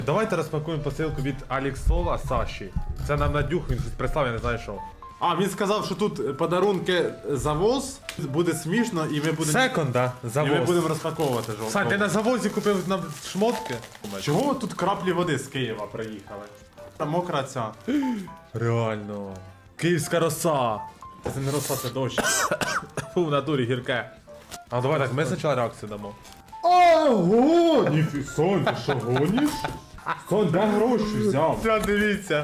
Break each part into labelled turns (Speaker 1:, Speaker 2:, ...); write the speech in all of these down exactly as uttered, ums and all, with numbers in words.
Speaker 1: Давайте розпакуємо посилку від Аліксова Саші. Це нам Надюх, він щось прислав, я не знаю що.
Speaker 2: А, він сказав, що тут подарунки завоз, буде смішно і ми будемо
Speaker 1: Секонда,
Speaker 2: і ми
Speaker 1: завоз.
Speaker 2: будемо розпаковувати жовтого.
Speaker 1: Сань, ти на завозі купив нам шмотки?
Speaker 2: Чого тут краплі води з Києва приїхали? Там мокра ця.
Speaker 1: Реально. Київська роса.
Speaker 2: Це не роса, це дощ.
Speaker 1: Фу, в натурі гірке. А давай так, ми спочатку реакцію дамо.
Speaker 2: Ого! Ніфі, Сонь, ти що гониш? Сонь, де гроші взяв?
Speaker 1: Все, дивіться.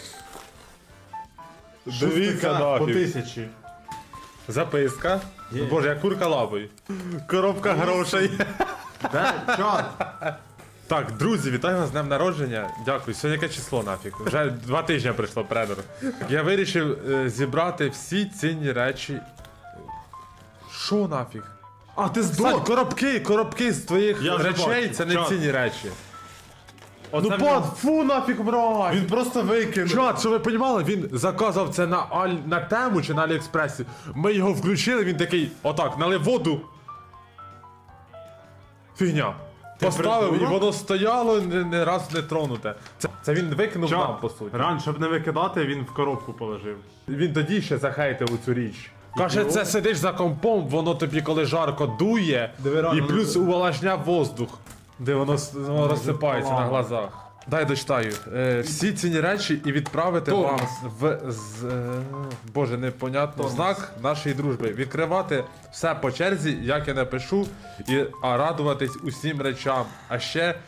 Speaker 1: Дивіться
Speaker 2: По
Speaker 1: нафіг.
Speaker 2: тисячі.
Speaker 1: Записка.
Speaker 2: Є.
Speaker 1: Боже, як курка лапою. Коробка грошей.
Speaker 2: Де? Чат?
Speaker 1: Так, друзі, вітаю вас з днем народження. Дякую. Сьогодні яке число нафіг? Вже два тижні прийшло предор. Я вирішив е, зібрати всі цінні речі. Що нафіг?
Speaker 2: А, ти
Speaker 1: Сань,
Speaker 2: здох!
Speaker 1: коробки, коробки з твоїх
Speaker 2: Я вже
Speaker 1: речей
Speaker 2: бачу.
Speaker 1: це не
Speaker 2: Чат.
Speaker 1: цінні речі.
Speaker 2: Оце
Speaker 1: Ну
Speaker 2: він-
Speaker 1: пан, фу нафіг, брать!
Speaker 2: Він просто викинув.
Speaker 1: Чат, що ви розуміли, він заказав це на Аль... на тему чи на Аліекспресі. Ми його включили, він такий, отак, налив воду. Фігня. Поставив і
Speaker 2: придурок?
Speaker 1: воно стояло, не, не раз не тронуте. Це, це він викинув
Speaker 2: Чат.
Speaker 1: нам, по суті.
Speaker 2: Ран, щоб не викидати, він в коробку положив.
Speaker 1: Він тоді ще захейтив цю річ. Каже,
Speaker 2: його?
Speaker 1: це сидиш за компом, воно тобі коли жарко дує,
Speaker 2: Диви, рано,
Speaker 1: і плюс
Speaker 2: ну,
Speaker 1: увлажняв воздух, де воно, с- воно розсипається на
Speaker 2: поламано.
Speaker 1: глазах. Дай дочитаю. Е, всі ціні речі і відправити
Speaker 2: Томас.
Speaker 1: вам в з, е, боже, непонятно, в знак нашої дружби. Відкривати все по черзі, як я напишу, і а радуватись усім речам. А ще